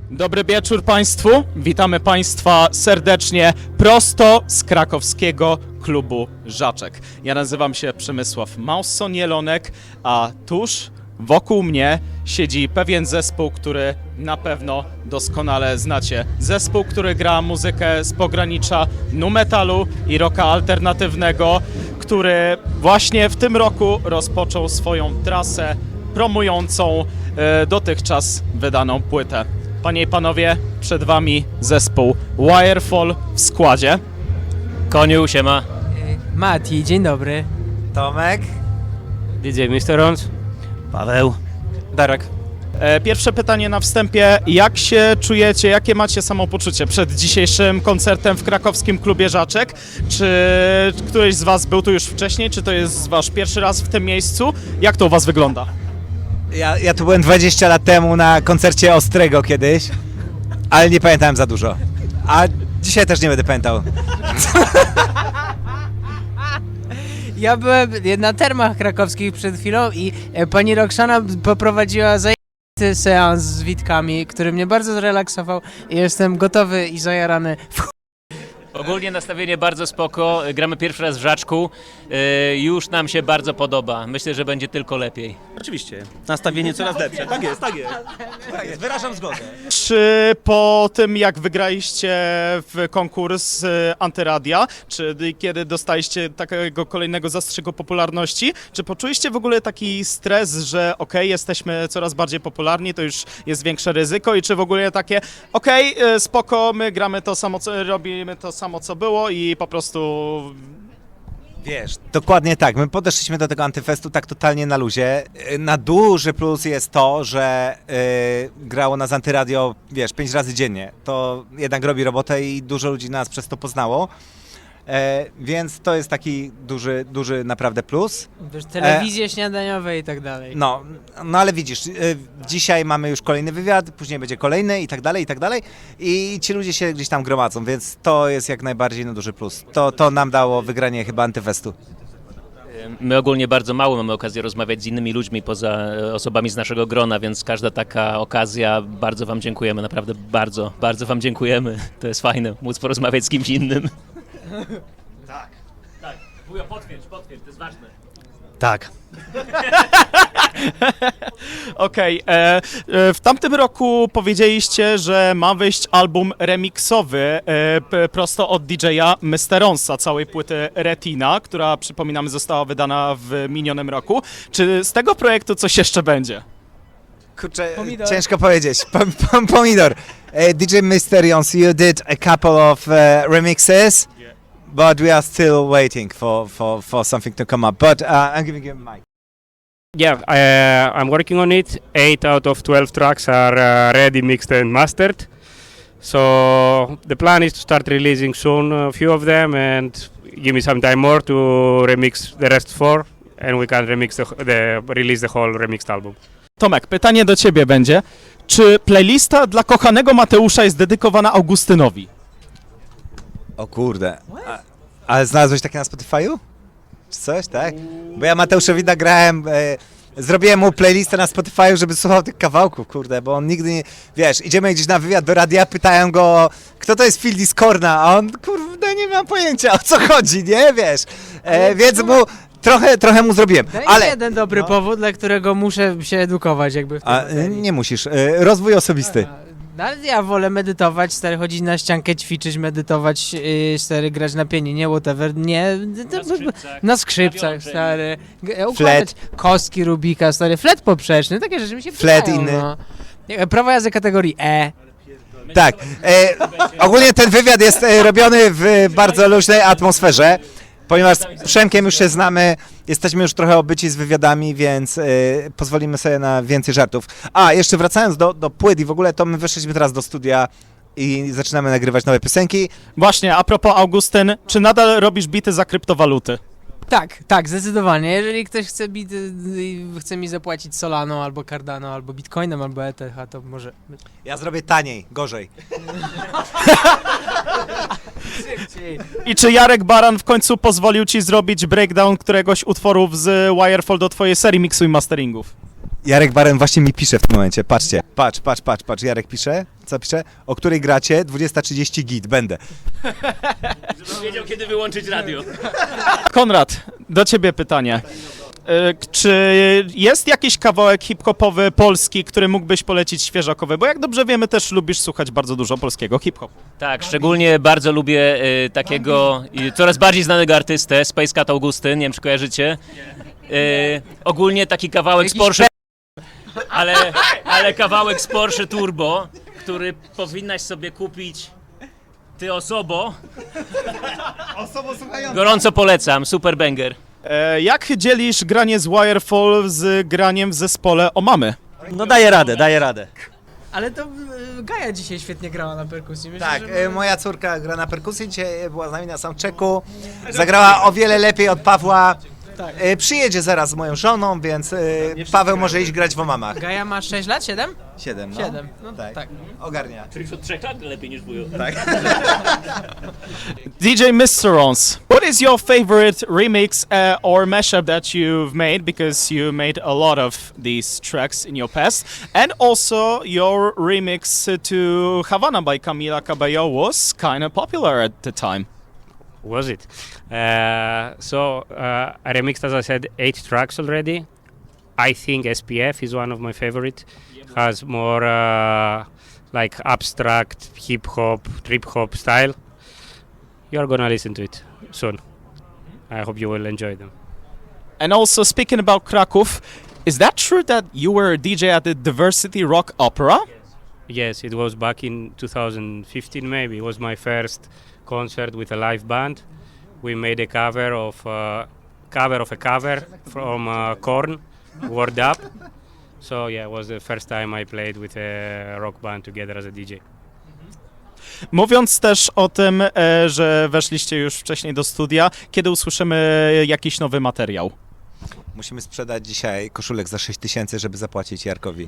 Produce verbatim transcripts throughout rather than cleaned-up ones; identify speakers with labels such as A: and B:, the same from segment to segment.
A: Dobry wieczór Państwu, witamy Państwa serdecznie prosto z krakowskiego klubu Żaczek. Ja nazywam się Przemysław Małson-Jelonek, a tuż wokół mnie siedzi pewien zespół, który na pewno doskonale znacie. Zespół, który gra muzykę z pogranicza nu metalu i rocka alternatywnego, który właśnie w tym roku rozpoczął swoją trasę promującą e, dotychczas wydaną płytę. Panie i panowie, przed wami zespół Wirefall w składzie.
B: Koniu, siema.
C: Mati, dzień dobry.
D: Tomek.
B: D J mister Rons.
D: Paweł.
B: Darek.
A: E, Pierwsze pytanie na wstępie. Jak się czujecie, jakie macie samopoczucie przed dzisiejszym koncertem w krakowskim klubie Żaczek? Czy któryś z was był tu już wcześniej? Czy to jest wasz pierwszy raz w tym miejscu? Jak to u was wygląda?
D: Ja, ja tu byłem dwadzieścia lat temu na koncercie Ostrego kiedyś, ale nie pamiętałem za dużo. A dzisiaj też nie będę pamiętał.
C: Ja byłem na termach krakowskich przed chwilą i e, pani Roxana poprowadziła zajęty seans z Witkami, który mnie bardzo zrelaksował i jestem gotowy i zajarany.
B: Ogólnie nastawienie bardzo spoko, gramy pierwszy raz w Żaczku, yy, już nam się bardzo podoba, myślę, że będzie tylko lepiej.
E: Oczywiście. Nastawienie coraz lepsze. Tak jest, tak jest.
D: Tak jest, wyrażam zgodę.
A: Czy po tym, jak wygraliście w konkurs e, Antyradia, czy kiedy dostaliście takiego kolejnego zastrzyku popularności, czy poczuliście w ogóle taki stres, że okej, jesteśmy coraz bardziej popularni, to już jest większe ryzyko i czy w ogóle takie okej, e, spoko, my gramy to samo, co robimy to samo, co było i po prostu...
D: Wiesz, dokładnie tak. My podeszliśmy do tego Antyfestu tak totalnie na luzie. Na duży plus jest to, że yy, grało nas Antyradio, wiesz, pięć razy dziennie. To jednak robi robotę i dużo ludzi nas przez to poznało. E, więc to jest taki duży, duży naprawdę plus.
C: Wiesz, telewizje śniadaniowe i tak dalej.
D: No, no ale widzisz, y, dzisiaj mamy już kolejny wywiad, później będzie kolejny i tak dalej, i tak dalej. I ci ludzie się gdzieś tam gromadzą, więc to jest jak najbardziej no, duży plus. To, to nam dało wygranie chyba Antyfestu.
B: My ogólnie bardzo mało mamy okazję rozmawiać z innymi ludźmi poza osobami z naszego grona, więc każda taka okazja, bardzo wam dziękujemy, naprawdę bardzo, bardzo wam dziękujemy. To jest fajne, móc porozmawiać z kimś innym.
E: Tak.
B: Tak, wujo, potwierdź, potwierdź, to jest ważne.
E: Tak.
A: Okej, e, e, w tamtym roku powiedzieliście, że ma wyjść album remiksowy e, p, prosto od D J-a mister Ronsa, całej płyty Retina, która, przypominamy, została wydana w minionym roku. Czy z tego projektu coś jeszcze będzie?
D: Kurczę,
C: Pomidor.
D: ciężko powiedzieć. Pom, pom, pomidor. Uh, D J Mysterions, you did a couple of uh, remixes, but we are still waiting for, for, for something to come up. But uh, I'm giving you a mic.
F: Yeah, uh, I'm working on it. Eight out of twelve tracks are uh, ready, mixed and mastered. So the plan is to start releasing soon a few of them and give me some time more to remix the rest four, and we can remix the, the release the whole remixed album.
A: Tomek, pytanie do ciebie będzie. Czy playlista dla kochanego Mateusza jest dedykowana Augustynowi?
D: O kurde. A, ale znalazłeś takie na Spotify'u? Czy coś, tak? Bo ja Mateuszowi nagrałem, e, zrobiłem mu playlistę na Spotify'u, żeby słuchał tych kawałków, kurde, bo on nigdy nie, wiesz, idziemy gdzieś na wywiad do radia, pytają go, kto to jest Phil Discorna, a on, kurde, nie mam pojęcia, o co chodzi, nie, wiesz, e, więc mu, trochę, trochę mu zrobiłem,
C: Daj
D: ale...
C: mi jeden dobry
D: no.
C: powód, dla którego muszę się edukować jakby w tej
D: A, e,
C: materii.
D: nie musisz, e, rozwój osobisty.
C: No, ale ja wolę medytować, stary, chodzić na ściankę, ćwiczyć, medytować, yy, stary, grać na pianinie, whatever, nie,
B: Na skrzypcach,
C: na skrzypcach,
B: na
C: stary, G- układać kostki Rubika, stary, flet poprzeczny, takie rzeczy mi się
D: Flet
C: przydają,
D: inny.
C: no. Nie, prawo jazdy kategorii E.
D: Tak, e, ogólnie ten wywiad jest e, robiony w bardzo luźnej atmosferze, ponieważ z Przemkiem już się znamy, jesteśmy już trochę obyci z wywiadami, więc e, pozwolimy sobie na więcej żartów. A, jeszcze wracając do, do płyt i w ogóle, to my wyszliśmy teraz do studia i zaczynamy nagrywać nowe piosenki.
A: Właśnie, a propos Augustyn, czy nadal robisz bity za kryptowaluty?
C: Tak, tak, zdecydowanie. Jeżeli ktoś chce, bit, chce mi zapłacić Solano, albo Cardano, albo Bitcoinem, albo E T H, to może...
D: Ja zrobię taniej, gorzej.
A: I czy Jarek Baran w końcu pozwolił ci zrobić breakdown któregoś utworów z Wirefall do twojej serii miksu i masteringów?
D: Jarek Baren właśnie mi pisze w tym momencie, patrzcie, patrz, patrz, patrz, patrz, Jarek pisze, co pisze? O której gracie? dwudziesta trzydzieści git, będę.
B: Żebym wiedział, kiedy wyłączyć radio.
A: Konrad, do ciebie pytanie. E, Czy jest jakiś kawałek hip-hopowy polski, który mógłbyś polecić świeżakowy? Bo jak dobrze wiemy, też lubisz słuchać bardzo dużo polskiego hip-hopu.
B: Tak, szczególnie bardzo lubię y, takiego y, coraz bardziej znanego artystę, Space Cat Augustyn, nie wiem czy kojarzycie. Y, ogólnie taki kawałek z Porsche, ale, ale kawałek z Porsche Turbo, który powinnaś sobie kupić ty osobo. Gorąco polecam, super banger.
A: E, Jak dzielisz granie z Wirefall z graniem w zespole Omamy?
E: No daję radę, daję radę.
C: Ale to y, Gaja dzisiaj świetnie grała na perkusji. Myślę,
D: Tak,
C: że...
D: e, moja córka gra na perkusji, dzisiaj była z nami na soundchecku, zagrała o wiele lepiej od Pawła.
C: Tak.
D: E, Przyjedzie zaraz z moją żoną, więc e, Paweł może iść grać w Omamach.
C: Gaja ma sześć lat? siedem?
D: Siedem, no.
C: siedem. No
D: Tak.
C: tak.
D: Ogarnia.
B: Czyli od trzech lat lepiej niż wujo.
A: D J Misterons, what is your favorite remix uh, or mashup that you've made? Because you made a lot of these tracks in your past. And also your remix to Havana by Camila Cabello was kind of popular at the time.
F: Was it? Uh, so uh, I remixed, as I said, eight tracks already. I think S P F is one of my favorite. Has more uh, like abstract hip hop, trip hop style. You're gonna listen to it soon. I hope you will enjoy them.
A: And also speaking about Kraków, is that true that you were a D J at the Diversity Rock Opera?
F: Yes, it was back in two thousand fifteen, maybe. It was my first concert with a live band. We made a cover of uh, cover of a cover from uh, Korn, Word Up. So yeah, it was the first time I played with a rock band together as a D J.
A: Mówiąc też o tym, e, że weszliście już wcześniej do studia, kiedy usłyszymy jakiś nowy materiał?
D: Musimy sprzedać dzisiaj koszulek za sześć tysięcy, żeby zapłacić Jarkowi.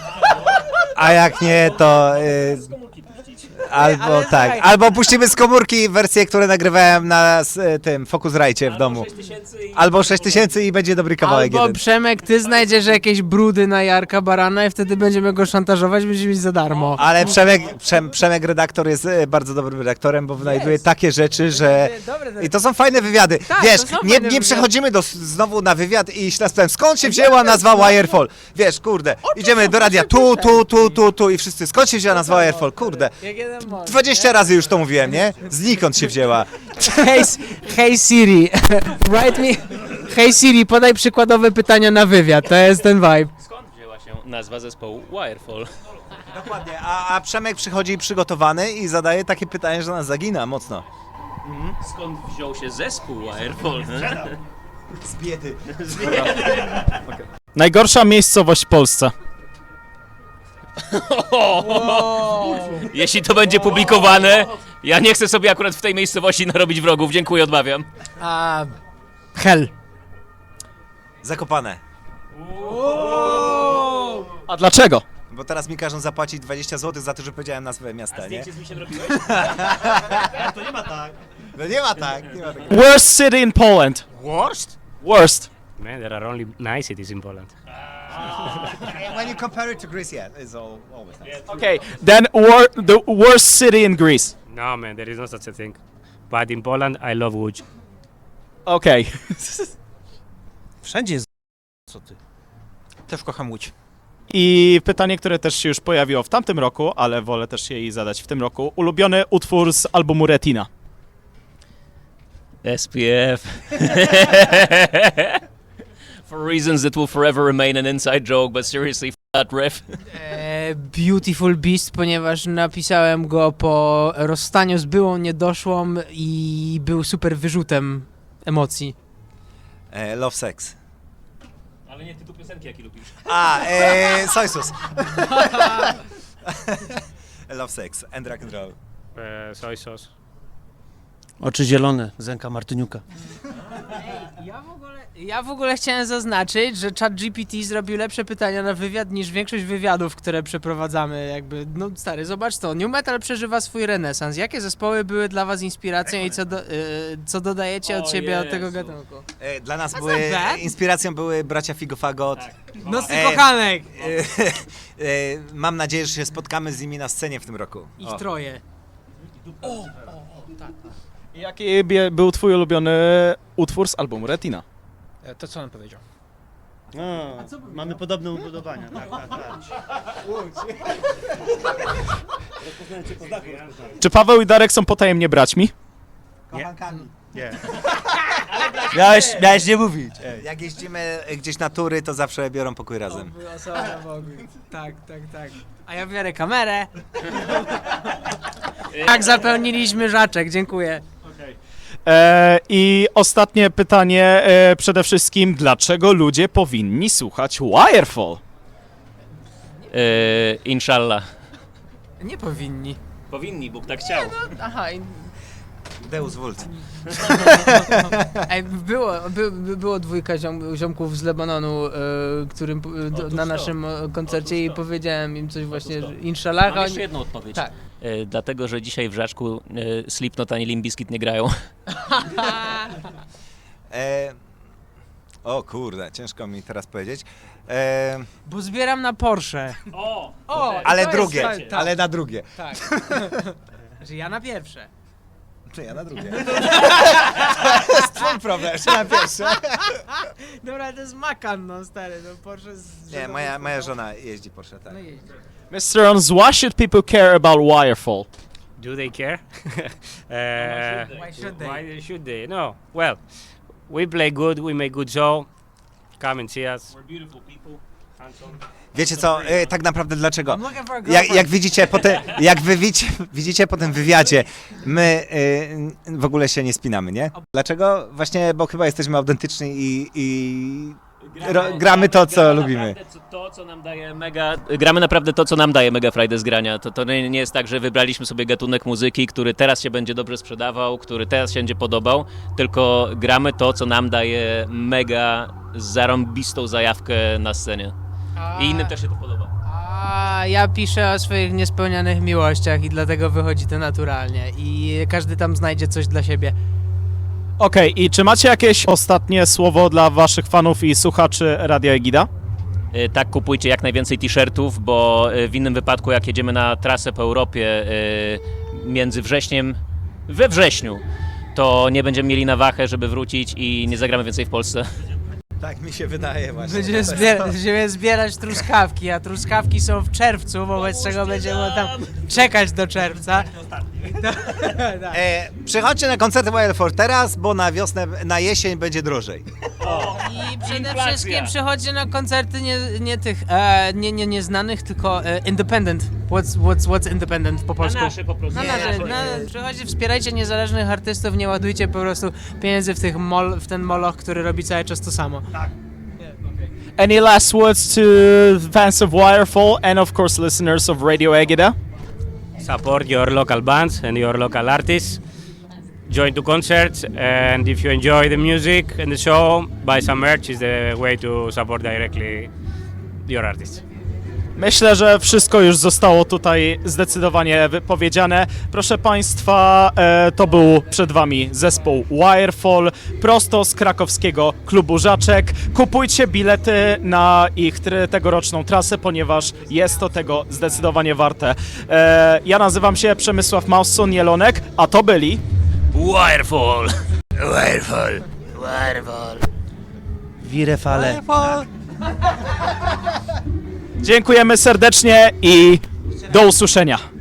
D: A jak nie, to y, albo
C: ale
D: tak,
C: słuchaj.
D: albo puścimy z komórki wersje, które nagrywałem na s, tym Focusrite w domu. Albo sześć tysięcy i będzie dobry kawałek
C: Albo
D: jeden.
C: Przemek, ty znajdziesz jakieś brudy na Jarka Barana i wtedy będziemy go szantażować, będziemy mieć za darmo.
D: Ale Przemek, Przem, Przemek redaktor jest e, bardzo dobrym redaktorem, bo wynajduje takie rzeczy, że...
C: Dobre,
D: I to są fajne wywiady.
C: Tak,
D: Wiesz,
C: to są
D: nie,
C: fajne
D: nie
C: wywiady.
D: przechodzimy do, znowu na wywiad i się nas pytam, skąd się wzięła nazwa Wirefall? Wiesz, kurde, idziemy do radia tu, tu, tu, tu, tu i wszyscy, skąd się wzięła nazwa Wirefall? Kurde,
C: Jak jeden mąż,
D: dwadzieścia razy już to mówiłem, nie? Znikąd się wzięła.
C: Hey, hey Siri, write me... Hey Siri, podaj przykładowe pytania na wywiad, to jest ten vibe.
B: Skąd wzięła się nazwa zespołu Wirefall?
D: Dokładnie, a, a Przemek przychodzi przygotowany i zadaje takie pytanie, że nas zagina mocno.
B: Skąd wziął się zespół Wirefall?
D: Z biedy.
A: Najgorsza miejscowość w Polsce.
B: Jeśli to będzie publikowane, ja nie chcę sobie akurat w tej miejscowości narobić wrogów. Dziękuję, odmawiam.
C: A... Hell.
D: Zakopane.
A: A dlaczego?
D: Bo teraz mi każą zapłacić dwadzieścia złotych za to, że powiedziałem nazwę miasta, nie?
B: z misiem robiłeś?
D: No nie ma tak, nie ma tak.
A: Worst city in Poland.
D: Worst?
A: Worst.
F: Man, there are only nice cities in Poland.
D: When you compare it to Greece, yeah, it's all, always nice.
A: Okay, then wor the worst city in Greece.
F: No man, there is no such a thing. But in Poland, I love Łódź.
A: Okay.
E: Wszędzie jest co ty. Też kocham Łódź.
A: I pytanie, które też się już pojawiło w tamtym roku, ale wolę też jej zadać w tym roku. Ulubiony utwór z albumu Retina.
B: S P F. For reasons that will forever remain an inside joke, but seriously, f that riff.
C: E, Beautiful Beast, ponieważ napisałem go po rozstaniu z byłą niedoszłą i był super wyrzutem emocji.
D: E, love Sex.
B: Ale nie tytuł piosenki, jaki lubisz.
D: A, e, soy sauce. Love Sex and rock and roll.
F: Uh, soy sauce.
E: Oczy zielone, Zenka Martyniuka.
C: Ja w, ogóle, ja w ogóle chciałem zaznaczyć, że ChatGPT zrobił lepsze pytania na wywiad niż większość wywiadów, które przeprowadzamy. Jakby, no stary, zobacz to. New Metal przeżywa swój renesans. Jakie zespoły były dla was inspiracją i co, do, y, co dodajecie od
B: O
C: siebie od
B: Jezu.
C: tego gatunku?
D: E, Dla nas
C: That's
D: były,
C: not bad.
D: inspiracją były bracia Figofagot.
C: Nosy
D: E,
C: kochanek!
D: E, e, Mam nadzieję, że się spotkamy z nimi na scenie w tym roku.
C: Ich
D: O.
C: troje.
A: Jaki bie- był twój ulubiony utwór z albumu Retina?
E: To co on powiedział?
G: No, mamy podobne ubudowania. Tak, tak, tak.
A: Czy Paweł i Darek są potajemnie braćmi?
G: Nie.
E: Miałeś, miałeś nie mówić.
D: Jak jeździmy gdzieś na tury, to zawsze biorą pokój razem.
C: Tak, tak, tak. A ja biorę kamerę. Tak, zapełniliśmy Żaczek, dziękuję.
A: E, I ostatnie pytanie e, przede wszystkim, dlaczego ludzie powinni słuchać Wirefall?
B: E, inshallah.
C: Nie powinni.
B: Powinni, Bóg tak chciał.
C: Aha, i-
D: Deus Vult.
C: ej, było, by, by było dwójka ziom, ziomków z Lebanonu, e, którym e, do, na naszym e, koncercie i powiedziałem im coś właśnie, że inshallah.
B: Mam
C: oni-
B: jeszcze jedną odpowiedź.
C: Tak.
B: E, dlatego, że dzisiaj w Żaczku e, Slipknot ani Limp Bizkit nie grają.
D: E, o kurde, ciężko mi teraz powiedzieć. E,
C: Bo zbieram na Porsche.
B: O!
C: O,
D: ale
C: to jest-
D: drugie,
C: tak, tak.
D: ale na drugie.
C: Tak. Że ja na pierwsze.
D: Czy ja na drugie? To jest twój problem, że na pierwsze.
C: Dobra, to jest Macan, no stary, no Porsche z...
D: Nie, moja, moja żona jeździ Porsche, tak.
C: No jeździ.
A: mister Ons, why should people care about Wirefall?
F: Do they care? uh,
C: Why should they?
F: Why should they? No. Well, we play good. We make good show. Come and see us.
B: We're beautiful people. Handsome.
D: Wiecie co, e, tak naprawdę dlaczego?
C: I'm looking for a
D: Jak,
C: girlfriend.
D: jak widzicie po te, jak wy widzicie, widzicie po tym wywiadzie, my y, w ogóle się nie spinamy, nie? Dlaczego? Właśnie, bo chyba jesteśmy autentyczni i, i ro, gramy to, co
B: gramy
D: lubimy.
B: naprawdę To, co nam daje mega... Gramy naprawdę to, co nam daje Mega Friday z grania. To, to nie nie jest tak, że wybraliśmy sobie gatunek muzyki, który teraz się będzie dobrze sprzedawał, który teraz się będzie podobał, tylko gramy to, co nam daje mega zarąbistą zajawkę na scenie. I innym też się to podoba.
C: A ja piszę o swoich niespełnianych miłościach i dlatego wychodzi to naturalnie. I każdy tam znajdzie coś dla siebie.
A: Okej, i czy macie jakieś ostatnie słowo dla waszych fanów i słuchaczy Radia Egida?
B: E, Tak, kupujcie jak najwięcej t-shirtów, bo e, w innym wypadku, jak jedziemy na trasę po Europie e, między wrześniem, we wrześniu, to nie będziemy mieli na wachę, żeby wrócić i nie zagramy więcej w Polsce.
D: Tak mi się wydaje właśnie.
C: Będziemy, zbier- będziemy zbierać truskawki, a truskawki są w czerwcu, wobec czego będziemy tam czekać do czerwca.
D: E, przychodźcie na koncerty Wirefall teraz, bo na wiosnę, na jesień będzie drożej.
C: I przede
B: Inflacja.
C: wszystkim przychodźcie na koncerty nie, nie tych, e, nie, nie nieznanych, tylko e, independent. What's, what's, what's independent po polsku?
B: po prostu.
C: Na nasze, na, przychodźcie, wspierajcie niezależnych artystów, nie ładujcie po prostu pieniędzy w, tych mol, w ten moloch, który robi cały czas to samo.
A: Any last words to fans of Wirefall and of course listeners of Radio Egida?
F: Support your local bands and your local artists. Join to concerts, and if you enjoy the music and the show, buy some merch. Is the way to support directly your artists.
A: Myślę, że wszystko już zostało tutaj zdecydowanie wypowiedziane. Proszę Państwa, e, to był przed Wami zespół Wirefall, prosto z krakowskiego klubu Żaczek. Kupujcie bilety na ich try- tegoroczną trasę, ponieważ jest to tego zdecydowanie warte. E, ja nazywam się Przemysław Mausson-Jelonek, a to byli...
B: Wirefall!
E: Wirefall.
B: Wirefall!
E: Wirefale.
A: Dziękujemy serdecznie i do usłyszenia.